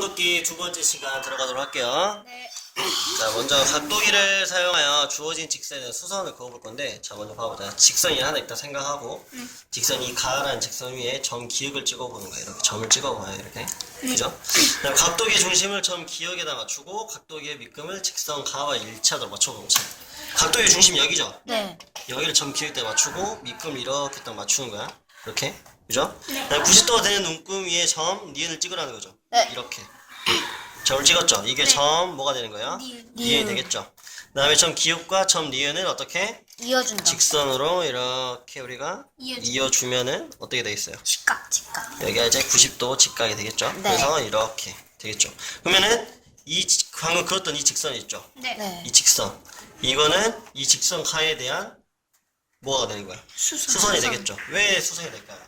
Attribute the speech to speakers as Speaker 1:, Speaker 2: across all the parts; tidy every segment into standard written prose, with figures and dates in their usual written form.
Speaker 1: 곱셈돕기 두 번째 시간 들어가도록 할게요.
Speaker 2: 네.
Speaker 1: 자, 먼저 각도기를 사용하여 주어진 직선에 수선을 그어볼 건데, 자, 먼저 봐보자. 직선이 하나 있다 생각하고, 직선이 가라는 직선 위에 점 기역을 찍어보는 거예요. 이렇게 점을 찍어봐요. 이렇게. 그죠? 그다음 각도기의 중심을 점 기역에다 맞추고, 각도기의 밑금을 직선 가와 일치하도록 맞춰보는 거죠. 각도기의 중심이 여기죠?
Speaker 2: 네.
Speaker 1: 여기를 점 기역에 맞추고, 밑금을 이렇게 딱 맞추는 거야. 이렇게. 그죠? 네. 90도가 되는 눈금 위에 점, 니은을 찍으라는 거죠.
Speaker 2: 네.
Speaker 1: 이렇게. 점을 찍었죠? 이게
Speaker 2: 네.
Speaker 1: 점, 뭐가 되는 거예요? 니은이 되겠죠? 그 다음에 점 기역과 점 니은을 어떻게?
Speaker 2: 이어준다.
Speaker 1: 직선으로 이렇게 우리가
Speaker 2: 이어준다.
Speaker 1: 이어주면은 어떻게 되겠어요?
Speaker 2: 직각.
Speaker 1: 여기가 이제 90도 직각이 되겠죠?
Speaker 2: 네.
Speaker 1: 그래서 이렇게 되겠죠? 그러면은 방금 그었던 이 직선이 있죠?
Speaker 2: 네.
Speaker 1: 이 직선. 이거는 이 직선 가에 대한 뭐가 되는 거야? 수선이 되겠죠? 왜 수선이 될까요?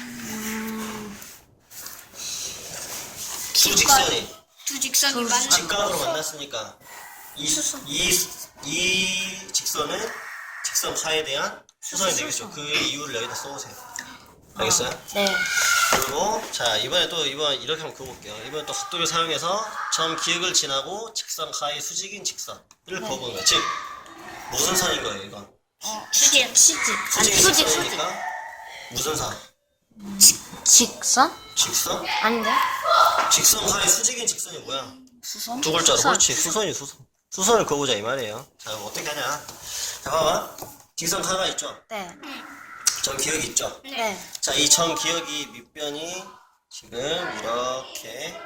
Speaker 1: 두 직선이
Speaker 2: 두 직선이 만나.
Speaker 1: 직각으로 만났으니까
Speaker 2: 수선.
Speaker 1: 이 직선은 직선 가에 대한 수선이 되겠죠. 그 이유를 여기다 써보세요. 알겠어요?
Speaker 2: 네.
Speaker 1: 그리고 자 이번 이렇게 한번 그어볼게요. 이번에 또 각도를 사용해서 점 기역을 지나고 직선 가의 수직인 직선을 그어보는 거예요. 즉 무슨 선인 거예요 이건?
Speaker 2: 수직.
Speaker 1: 수직인 직선이니까 무슨 선?
Speaker 2: 직선?
Speaker 1: 직선?
Speaker 2: 아닌데?
Speaker 1: 직선 가의 수직인 직선이 뭐야?
Speaker 2: 수선?
Speaker 1: 두 글자로
Speaker 2: 수선.
Speaker 1: 그렇지. 수선을 그어보자 이 말이에요. 자 어떻게 하냐? 자 봐봐. 직선 가가 있죠?
Speaker 2: 네.
Speaker 1: 점 기역이 있죠?
Speaker 2: 네.
Speaker 1: 자, 이 점 기역이 밑변이 지금 이렇게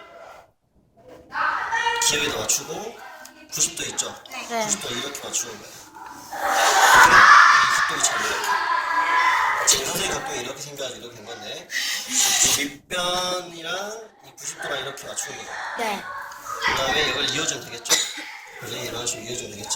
Speaker 1: 기역에다 맞추고 90도 있죠?
Speaker 2: 네.
Speaker 1: 90도 이렇게 맞추는 거예요. 이 각도기 참 이렇게. 지금 선생님 각도가 이렇게 생겨가지고 이렇게 된 건데 이 밑변이랑 이 90도랑 이렇게 맞추는 거예요.
Speaker 2: 네.
Speaker 1: 그 다음에 이걸 이어주면 되겠죠? 그지? 이런 식으로 이어주면 되겠지?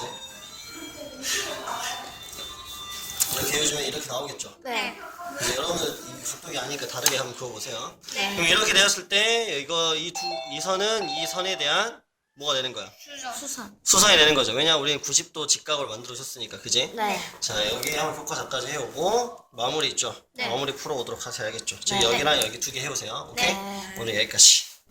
Speaker 1: 이렇게 이어주면 이렇게 나오겠죠?
Speaker 2: 네.
Speaker 1: 근데 여러분들 이 각도기 아니니까 다르게 한번 그어보세요.
Speaker 2: 네.
Speaker 1: 그럼 이렇게 되었을 때 이거 이 선은 이 선에 대한 뭐가 되는 거야?
Speaker 2: 수선.
Speaker 1: 수선이 되는 거죠. 왜냐 우리는 90도 직각을 만들어 줬으니까, 그지?
Speaker 2: 네.
Speaker 1: 자 여기 한번 효과자까지 해오고 마무리 있죠?
Speaker 2: 네.
Speaker 1: 마무리 풀어오도록 하셔야겠죠. 즉
Speaker 2: 네.
Speaker 1: 여기랑 여기 두 개 해오세요. 오케이?
Speaker 2: 네.
Speaker 1: 오늘 여기까지.